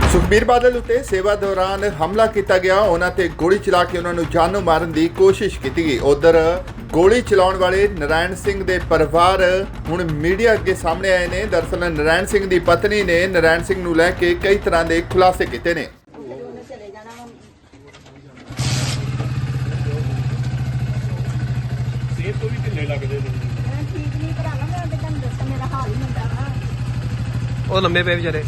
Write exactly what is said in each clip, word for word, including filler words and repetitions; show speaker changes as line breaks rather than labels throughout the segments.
ਸੁਖਬੀਰ ਬਾਦਲ ਉੱਤੇ ਸੇਵਾ ਦੌਰਾਨ ਹਮਲਾ ਕੀਤਾ ਗਿਆ। ਉਹਨਾਂ ਤੇ ਗੋਲੀ ਚਲਾ ਕੇ ਉਹਨਾਂ ਨੂੰ ਜਾਨੋਂ ਮਾਰਨ ਦੀ ਕੋਸ਼ਿਸ਼ ਕੀਤੀ ਗਈ। ਉਧਰ ਗੋਲੀ ਚਲਾਉਣ ਵਾਲੇ ਨਰਾਇਣ ਸਿੰਘ ਦੇ ਪਰਿਵਾਰ ਹੁਣ ਮੀਡੀਆ ਅੱਗੇ ਸਾਹਮਣੇ ਆਏ ਨੇ। ਦਰਅਸਲ ਨਰਾਇਣ ਸਿੰਘ ਦੀ ਪਤਨੀ ਨੇ ਨਰਾਇਣ ਸਿੰਘ ਨੂੰ ਲੈ ਕੇ ਕਈ ਤਰ੍ਹਾਂ ਦੇ ਖੁਲਾਸੇ ਕੀਤੇ ਨੇ।
ਸੇਬ ਤੋਂ ਵੀ ਢਿੱਲੇ ਲੱਗਦੇ ਨੇ।
ਮੈਂ ਠੀਕ ਨਹੀਂ ਭਰਾਵਾ, ਮੈਂ ਤੇ ਤੁਹਾਨੂੰ ਦੱਸਾਂ ਮੇਰਾ ਹਾਲ ਹੀ ਹੁੰਦਾ ਵਾ।
ਉਹ ਲੰਮੇ ਪਏ ਵਿਚਾਰੇ।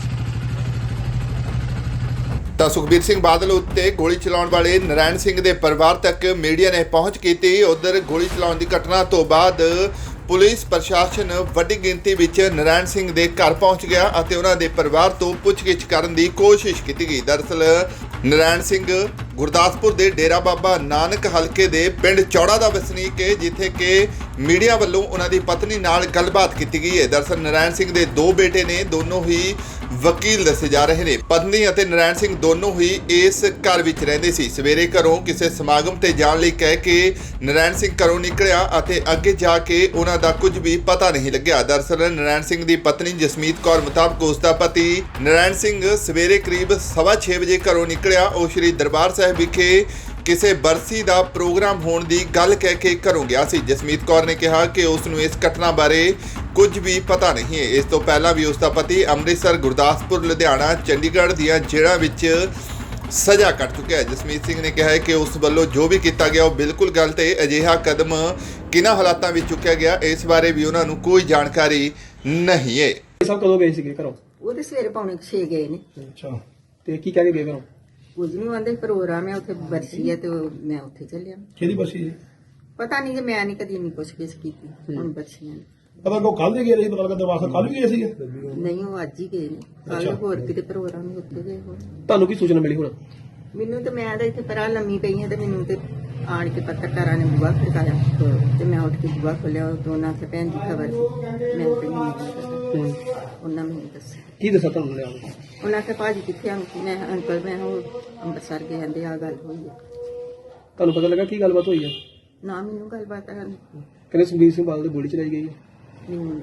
ਤਾਂ ਸੁਖਬੀਰ ਸਿੰਘ ਬਾਦਲ ਉੱਤੇ ਗੋਲੀ ਚਲਾਉਣ ਵਾਲੇ ਨਰਾਇਣ ਸਿੰਘ ਦੇ ਪਰਿਵਾਰ ਤੱਕ ਮੀਡੀਆ ਨੇ ਪਹੁੰਚ ਕੀਤੀ। ਉਧਰ ਗੋਲੀ ਚਲਾਉਣ ਦੀ ਘਟਨਾ ਤੋਂ ਬਾਅਦ ਪੁਲਿਸ ਪ੍ਰਸ਼ਾਸਨ ਵੱਡੀ ਗਿਣਤੀ ਵਿੱਚ ਨਰਾਇਣ ਸਿੰਘ ਦੇ ਘਰ ਪਹੁੰਚ ਗਿਆ ਅਤੇ ਉਹਨਾਂ ਦੇ ਪਰਿਵਾਰ ਤੋਂ ਪੁੱਛਗਿੱਛ ਕਰਨ ਦੀ ਕੋਸ਼ਿਸ਼ ਕੀਤੀ ਗਈ। ਦਰਅਸਲ ਨਰਾਇਣ ਸਿੰਘ ਗੁਰਦਾਸਪੁਰ ਦੇ ਡੇਰਾ ਬਾਬਾ ਨਾਨਕ ਹਲਕੇ ਦੇ ਪਿੰਡ ਚੌੜਾ ਦਾ ਵਸਨੀਕ ਹੈ, ਜਿੱਥੇ ਕਿ ਮੀਡੀਆ ਵੱਲੋਂ ਉਹਨਾਂ ਦੀ ਪਤਨੀ ਨਾਲ ਗੱਲਬਾਤ ਕੀਤੀ ਗਈ ਹੈ। ਦਰਅਸਲ ਨਰਾਇਣ ਸਿੰਘ ਦੇ ਦੋ ਬੇਟੇ ਨੇ, ਦੋਨੋਂ ਹੀ ਵਕੀਲ ਦੱਸੇ ਜਾ ਰਹੇ ਨੇ। ਪਤਨੀ ਅਤੇ ਨਰਾਇਣ ਸਿੰਘ ਦੋਨੋਂ ਹੀ ਇਸ ਘਰ ਵਿੱਚ ਰਹਿੰਦੇ ਸੀ। ਸਵੇਰੇ ਘਰੋਂ ਕਿਸੇ ਸਮਾਗਮ ਤੇ ਜਾਣ ਲਈ ਕਹਿ ਕੇ ਨਰਾਇਣ ਸਿੰਘ ਘਰੋਂ ਨਿਕਲਿਆ ਅਤੇ ਅੱਗੇ ਜਾ ਕੇ ਉਹਨਾਂ ਦਾ ਕੁਝ ਵੀ ਪਤਾ ਨਹੀਂ ਲੱਗਿਆ। ਦਰਅਸਲ ਨਰਾਇਣ ਸਿੰਘ ਦੀ ਪਤਨੀ ਜਸਮੀਤ ਕੌਰ ਮੁਤਾਬਕ ਉਸ ਦਾ ਪਤੀ ਨਰਾਇਣ ਸਿੰਘ ਸਵੇਰੇ ਕਰੀਬ ਸਵਾ ਛੇ ਵਜੇ ਘਰੋਂ ਨਿਕਲਿਆ। ਉਹ ਸ਼੍ਰੀ ਦਰਬਾਰ ਸਾਹਿਬ ਵਿਖੇ ਕਿਸੇ ਬਰਸੀ ਦਾ ਪ੍ਰੋਗਰਾਮ ਹੋਣ ਦੀ ਗੱਲ ਕਹਿ ਕੇ ਘਰੋਂ ਗਿਆ ਸੀ। ਜਸਮੀਤ ਕੌਰ ਨੇ ਕਿਹਾ ਕਿ ਉਸ ਨੂੰ ਇਸ ਘਟਨਾ ਬਾਰੇ ਕੁਝ ਵੀ ਪਤਾ ਨਹੀਂ ਹੈ। ਇਸ ਤੋਂ ਪਹਿਲਾਂ ਵੀ ਉਸ ਦਾ ਪਤੀ ਅੰਮ੍ਰਿਤਸਰ, ਗੁਰਦਾਸਪੁਰ, ਲੁਧਿਆਣਾ, ਚੰਡੀਗੜ੍ਹ ਦੀਆਂ ਜੇਲ੍ਹਾਂ ਵਿੱਚ ਸਜ਼ਾ ਕੱਟ ਚੁੱਕਿਆ ਹੈ। ਜਸਮੀਤ ਸਿੰਘ ਨੇ ਕਿਹਾ ਹੈ ਕਿ ਉਸ ਵੱਲੋਂ ਜੋ ਵੀ ਕੀਤਾ ਗਿਆ ਉਹ ਬਿਲਕੁਲ ਗਲਤ ਹੈ। ਅਜਿਹਾ ਕਦਮ ਕਿਹਨਾਂ ਹਾਲਾਤਾਂ ਵਿੱਚ ਚੁੱਕਿਆ ਗਿਆ, ਇਸ ਬਾਰੇ ਵੀ ਉਹਨਾਂ ਨੂੰ ਕੋਈ ਜਾਣਕਾਰੀ ਨਹੀਂ ਹੈ।
ਸਭ ਕਦੋਂ ਗਏ ਸੀਗੇ ਘਰੋਂ?
ਉਹ ਤੇ ਸਵੇਰੇ ਪੌਣੇ ਛੇ ਗਏ ਨੇ।
ਅੱਛਾ, ਤੇ ਕੀ ਕਹਿ ਕੇ ਗਏ ਘਰੋਂ?
ਕੁਝ ਨਹੀਂ ਆਂਦੇ, ਪ੍ਰੋਗਰਾਮ ਹੈ ਉੱਥੇ, ਬਰਸੀ ਹੈ ਤੇ ਉਹ- ਮੈਂ ਉੱਥੇ ਚੱਲਿਆ।
ਕਿਹਦੀ ਬਸੀ ਜੀ?
ਪਤਾ ਨਹੀਂ, ਜੇ ਮੈਂ ਨਹੀਂ ਕਦੀ ਨਹੀਂ ਕੁਛ ਕਿਸ ਕੀਤੀ। ਹੁਣ ਬਰਸੀਆਂ ਨੇ।
ਪਤਾ ਕੋ ਕੱਲ ਦੇ ਗਏ ਸੀ, ਪਤਾ ਲੱਗਾ ਦਰਵਾਜ਼ਾ ਕੱਲ ਵੀ ਗਏ ਸੀ।
ਨਹੀਂ, ਉਹ ਅੱਜ ਹੀ ਗਏ ਨੇ। ਕੱਲ ਹੋਰ ਕਿਤੇ ਪ੍ਰੋਗਰਾਮ ਨਹੀਂ, ਉੱਥੇ ਗਏ ਹੋਣ।
ਤੁਹਾਨੂੰ ਕੀ ਸੂਚਨਾ ਮਿਲੀ ਹੁਣ?
ਮੈਨੂੰ ਤੇ ਮੈਂ ਤਾਂ ਇੱਥੇ ਪਰਾਂ ਲੰਮੀ ਪਈ ਹਾਂ ਤੇ ਮੈਨੂੰ ਤੇ ਆਣ ਕੇ ਪੱਤਰਕਾਰਾਂ ਨੇ ਬੁਆ ਖੜਕਾਇਆ ਤੇ ਮੈਂ ਉੱਠ ਕੇ ਬੁਆ ਖੋਲਿਆ। ਉਹ ਦੋਨਾਂ ਤੇ ਭੈਣ ਦੀ ਖਬਰ ਸੀ। ਮੈਂ ਤੇ ਨਹੀਂ ਪਤਾ। ਉਹਨਾਂ ਮੈਨੂੰ ਦੱਸਿਆ।
ਕੀ ਦੱਸਿਆ ਤੁਹਾਨੂੰ ਲਿਆ?
ਉਹਨਾਂ ਕੇ ਭਾਜੀ ਕਿੱਥੇ ਆਂ? ਮੈਂ ਅੰਕਲ ਮੈਂ ਉਹ ਅੰਮ੍ਰਿਤਸਰ ਗਏ ਆਂਦੇ ਆ ਗੱਲ ਹੋਈ ਹੈ।
ਤੁਹਾਨੂੰ ਪਤਾ ਲੱਗਾ ਕੀ ਗੱਲਬਾਤ ਹੋਈ ਹੈ?
ਨਾ ਮੈਨੂੰ ਗੱਲਬਾਤ ਹੈ
ਕਹਿੰਦੇ ਸੁਖਬੀਰ ਸਿੰਘ ਬਾਦਲ ਦੀ ਗੋਲੀ ਚਲਾਈ ਗਈ ਹੈ।
ਨਹੀਂ।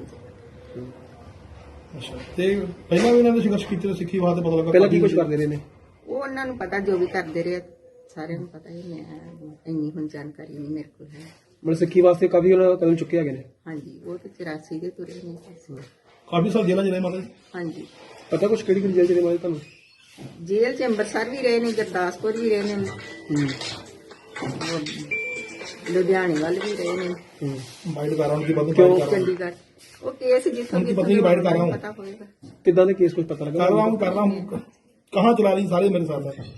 ਅੱਛਾ, ਤੇ ਪਹਿਲਾਂ ਵੀ ਇਹਨਾਂ ਨੇ ਸੰਘਰਸ਼ ਕੀਤੇ, ਸਿੱਖੀ ਵਾਦ ਪਤਾ ਲੱਗਾ।
ਪਹਿਲਾਂ ਕੀ ਕੁਝ ਕਰਦੇ ਰਹੇ ਨੇ?
ਉਹ ਉਹਨਾਂ ਨੂੰ ਪਤਾ, ਜੋ ਵੀ ਕਰਦੇ ਰਹੇ ਸਾਰਿਆਂ ਨੂੰ ਪਤਾ ਹੀ। ਮੈਂ ਇੰਨੀ ਹੁਣ ਜਾਣਕਾਰੀ ਨਹੀਂ ਮੇਰੇ ਕੋਲ ਹੈ।
ਮਤਲਬ ਸਿੱਖੀ ਵਾਸਤੇ ਕਾਫੀ ਉਹਨਾਂ ਕਦਮ ਚੁੱਕੇ ਹੈਗੇ ਨੇ।
ਹਾਂਜੀ, ਉਹ ਤੇ ਚੁਰਾਸੀ ਦੇ ਤੁਰੇ ਨੇ।
ਕਾਫੀ ਸਾਲ ਜੇਲ੍ਹਾਂ ਜਿਹੜੇ ਮਾਤਾ ਜੀ।
ਹਾਂਜੀ,
ਪਤਾ ਕੁਝ ਕਿਹੜੀ ਕਿਹੜੀ ਜੇਲ੍ਹ ਚ ਮਾਰੇ ਤੁਹਾਨੂੰ?
ਜੇਲ੍ਹ ਚ ਅੰਮ੍ਰਿਤਸਰ ਵੀ ਰਹੇ ਨੇ, ਗੁਰਦਾਸਪੁਰ ਵੀ ਰਹੇ ਨੇ,
ਹੂੰ
ਉਹ ਲੁਧਿਆਣੇ ਵੱਲ ਵੀ ਰਹੇ ਨੇ,
ਹੂੰ
ਬਾਈਟ ਕਰ ਰਹਾ ਹੂੰ ਕਿ ਬੰਦ
ਕਿਉਂ?
ਕਰ
ਚੰਡੀਗੜ੍ਹ। ਉਹ ਕੇਸ ਜਿੱਥੋਂ
उनकी पत्नी की बाइट कर रहा हूँ।
ਪਤਾ ਹੋਏਗਾ।
ਕਿੱਦਾਂ ਦੇ ਕੇਸ ਕੁਝ ਪਤਾ ਲੱਗਾ?
रहा हूँ कर रहा हूँ कहाँ चला रही सारे मेरे साथ है।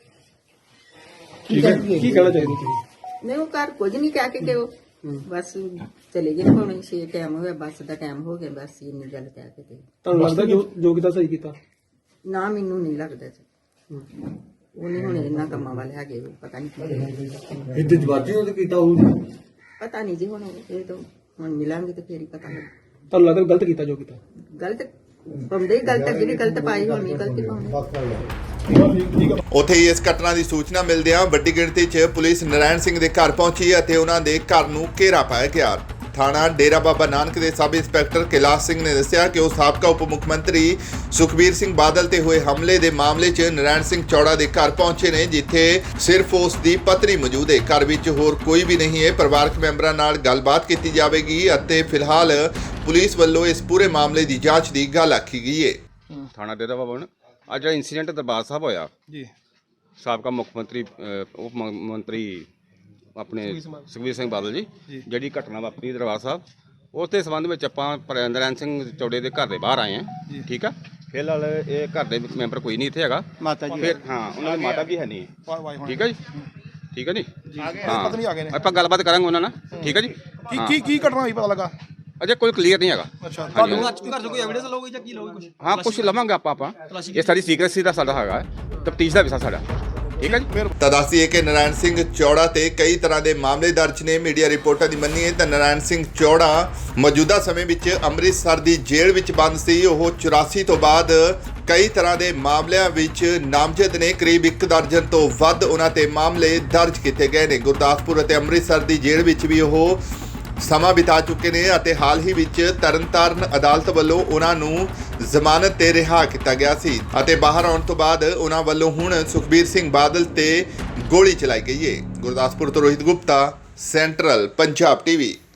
ਠੀਕ ਹੈ, ਕੀ ਕਹਿਣਾ ਚਾਹੀਦਾ ਤੁਸੀਂ?
ਨਹੀਂ, ਉਹ ਘਰ ਕੁਝ ਨਹੀਂ ਕਹਿ ਕੇ ਕਿ ਉਹ ਬਸ ਚਲੇ ਗਏ। ਪੌਣੇ ਛੇ ਟਾਈਮ ਹੋਇਆ, ਬੱਸ ਦਾ ਟਾਈਮ ਹੋ ਗਿਆ, ਬਸ ਇੰਨੀ ਗੱਲ ਕਹਿ ਕੇ ਤੇ।
ਤੁਹਾਨੂੰ ਲੱਗਦਾ ਜੋ ਜੋ ਕੀਤਾ ਸਹੀ ਕੀਤਾ?
ਨਾ, ਮੈਨੂੰ ਨਹੀਂ ਲੱਗਦਾ ਜੀ। ਉਹ ਨਹੀਂ ਹੁਣ ਇਹਨਾਂ ਕੰਮਾਂ ਵਾਲੇ ਹੈਗੇ, ਪਤਾ ਨਹੀਂ ਕੀ
ਇੱਥੇ ਜਵਾਜੀ ਉਹਦੇ ਕੀਤਾ ਹੋਊ।
ਪਤਾ ਨਹੀਂ ਜੀ। ਹੁਣ ਇਹ ਤਾਂ ਹੁਣ ਮਿਲਾਂਗੇ ਤੇ ਫੇਰ ਹੀ ਪਤਾ ਲੱਗ।
ਤੁਹਾਨੂੰ ਲੱਗਦਾ ਗਲਤ ਕੀਤਾ ਜੋ ਕੀਤਾ?
ਗਲਤ ਪਾਉਂਦੇ ਹੀ ਗਲਤ, ਅੱਗੇ ਵੀ ਗਲਤ ਪਾਈ, ਹੁਣ ਵੀ ਗਲਤੀ ਪਾਉਂਦੇ।
ਉੱਥੇ ਹੀ ਇਸ ਘਟਨਾ ਦੀ ਸੂਚਨਾ ਮਿਲਦਿਆਂ ਵੱਡੀ ਗਿਣਤੀ 'ਚ ਪੁਲਿਸ ਨਰਾਇਣ ਸਿੰਘ ਦੇ ਘਰ ਪਹੁੰਚੀ ਅਤੇ ਉਹਨਾਂ ਦੇ ਘਰ ਨੂੰ ਘੇਰਾ ਪਾਇਆ ਗਿਆ। ਥਾਣਾ ਡੇਰਾ ਬਾਬਾ ਨਾਨਕ ਦੇ ਸਬ ਇੰਸਪੈਕਟਰ ਕੈਲਾਸ਼ ਸਿੰਘ ਨੇ ਦੱਸਿਆ ਕਿ ਉਹ ਸਾਬਕਾ ਉਪ ਮੁੱਖ ਮੰਤਰੀ ਸੁਖਬੀਰ ਸਿੰਘ ਬਾਦਲ ਤੇ ਹੋਏ ਹਮਲੇ ਦੇ ਮਾਮਲੇ 'ਚ ਨਰਾਇਣ ਸਿੰਘ ਚੌੜਾ ਦੇ ਘਰ ਪਹੁੰਚੇ ਨੇ, ਜਿੱਥੇ ਸਿਰਫ ਉਸ ਦੀ ਪਤਨੀ ਮੌਜੂਦ ਹੈ। ਘਰ ਵਿੱਚ ਹੋਰ ਕੋਈ ਵੀ ਨਹੀਂ ਹੈ। ਪਰਿਵਾਰਕ ਮੈਂਬਰਾਂ ਨਾਲ ਗੱਲਬਾਤ ਕੀਤੀ ਜਾਵੇਗੀ ਅਤੇ ਫਿਲਹਾਲ ਪੁਲਿਸ ਵੱਲੋਂ ਇਸ ਪੂਰੇ ਮਾਮਲੇ ਦੀ ਜਾਂਚ ਦੀ ਗੱਲ ਆਖੀ ਗਈ ਹੈ।
ਥਾਣਾ ਡੇਰਾ ਬਾਬਾ ਨਾਨਕ ਅੱਜ ਜਿਹੜਾ ਇੰਸੀਡੈਂਟ ਦਰਬਾਰ ਸਾਹਿਬ ਹੋਇਆ
जी
ਸਾਬਕਾ ਮੁੱਖ ਮੰਤਰੀ ਅ, ਉਪ ਮ- ਮੰਤਰੀ ਆਪਣੇ ਸੁਖਬੀਰ ਸਿੰਘ ਬਾਦਲ ਜੀ ਜਿਹੜੀ ਘਟਨਾ ਵਾਪਰੀ ਦਰਬਾਰ ਸਾਹਿਬ, ਉਸ ਦੇ ਸੰਬੰਧ ਵਿੱਚ ਆਪਾਂ ਪਰ- ਨਰਾਇਣ ਸਿੰਘ ਚੌੜੇ ਦੇ ਘਰ ਦੇ ਬਾਹਰ ਆਏ ਹਾਂ। ਠੀਕ ਆ, ਫਿਲਹਾਲ ਇਹ ਘਰ ਦੇ ਵਿੱਚ ਮੈਂਬਰ ਕੋਈ ਨਹੀਂ ਇੱਥੇ ਹੈਗਾ।
माता जी
ਫਿਰ ਹਾਂ, ਉਹਨਾਂ ਦੀ ਮਾਤਾ ਵੀ ਹੈ ਨਹੀਂ। ਠੀਕ ਆ ਜੀ, ਠੀਕ ਆ ਜੀ।
पत्नी आ गए ने।
ਹਾਂ, ਆਪਾਂ ਗੱਲਬਾਤ ਕਰਾਂਗੇ ਉਹਨਾਂ ਨਾਲ। ਠੀਕ ਆ ਜੀ।
की की की घटना हुई पता लगा?
ਅਜੇ ਕੋਈ ਕਲੀਅਰ ਨਹੀਂ ਹੈਗਾ।
अच्छा,
ਹਾਂਜੀ,
ਤੁਹਾਨੂੰ
ਹਾਂਜੀ।
ਘਰ ਤੋਂ ਕੋਈ ਐਵੀਡੈਂਸ ਲਓਗੇ ਜਾਂ ਕੀ ਲਓਗੇ ਕੁਝ?
ਹਾਂ, ਕੁਛ ਲਵਾਂਗੇ ਆਪਾਂ ਆਪਾਂ ਇਹ ਸਾਡੀ ਸੀਕ੍ਰੇਸੀ ਦਾ ਸਾਡਾ ਹੈਗਾ, ਤਫਤੀਸ਼ ਦਾ ਵਿਸ਼ਾ ਸਾਡਾ। ਠੀਕ ਹੈ ਜੀ।
ਤਾਂ ਦੱਸੀਏ ਕਿ ਨਰਾਇਣ ਸਿੰਘ ਚੌੜਾ ਤੇ ਕਈ ਤਰ੍ਹਾਂ ਦੇ ਮਾਮਲੇ ਦਰਜ ਨੇ। ਮੀਡੀਆ ਰਿਪੋਰਟਾਂ ਦੀ ਮੰਨੀਏ ਤਾਂ ਨਰਾਇਣ ਸਿੰਘ ਚੌੜਾ ਮੌਜੂਦਾ ਸਮੇਂ ਵਿੱਚ ਅੰਮ੍ਰਿਤਸਰ ਦੀ ਜੇਲ੍ਹ ਵਿੱਚ ਬੰਦ ਸੀ। ਉਹ ਚੁਰਾਸੀ ਤੋਂ ਬਾਅਦ ਕਈ ਤਰ੍ਹਾਂ ਦੇ ਮਾਮਲਿਆਂ ਵਿੱਚ ਨਾਮਜ਼ਦ ਨੇ। ਕਰੀਬ ਇੱਕ ਦਰਜਨ ਤੋਂ ਵੱਧ ਉਹਨਾਂ ਤੇ ਮਾਮਲੇ ਦਰਜ ਕੀਤੇ ਗਏ ਨੇ। ਗੁਰਦਾਸਪੁਰ ਅਤੇ ਅੰਮ੍ਰਿਤਸਰ ਦੀ ਜੇਲ੍ਹ ਵਿੱਚ ਵੀ ਉਹ ਸਮਾਂ ਬਿਤਾ ਚੁੱਕੇ ਨੇ ਅਤੇ ਹਾਲ ਹੀ ਵਿੱਚ ਤਰਨਤਾਰਨ ਅਦਾਲਤ ਵੱਲੋਂ ਉਹਨਾਂ ਨੂੰ ਜ਼ਮਾਨਤ ਤੇ ਰਿਹਾ ਕੀਤਾ ਗਿਆ ਸੀ ਅਤੇ ਬਾਹਰ ਆਉਣ ਤੋਂ ਬਾਅਦ ਉਹਨਾਂ ਵੱਲੋਂ ਹੁਣ ਸੁਖਬੀਰ ਸਿੰਘ ਬਾਦਲ ਤੇ ਗੋਲੀ ਚਲਾਈ ਗਈ ਹੈ। ਗੁਰਦਾਸਪੁਰ ਤੋਂ ਰੋਹਿਤ ਗੁਪਤਾ, ਸੈਂਟਰਲ ਪੰਜਾਬ ਟੀਵੀ।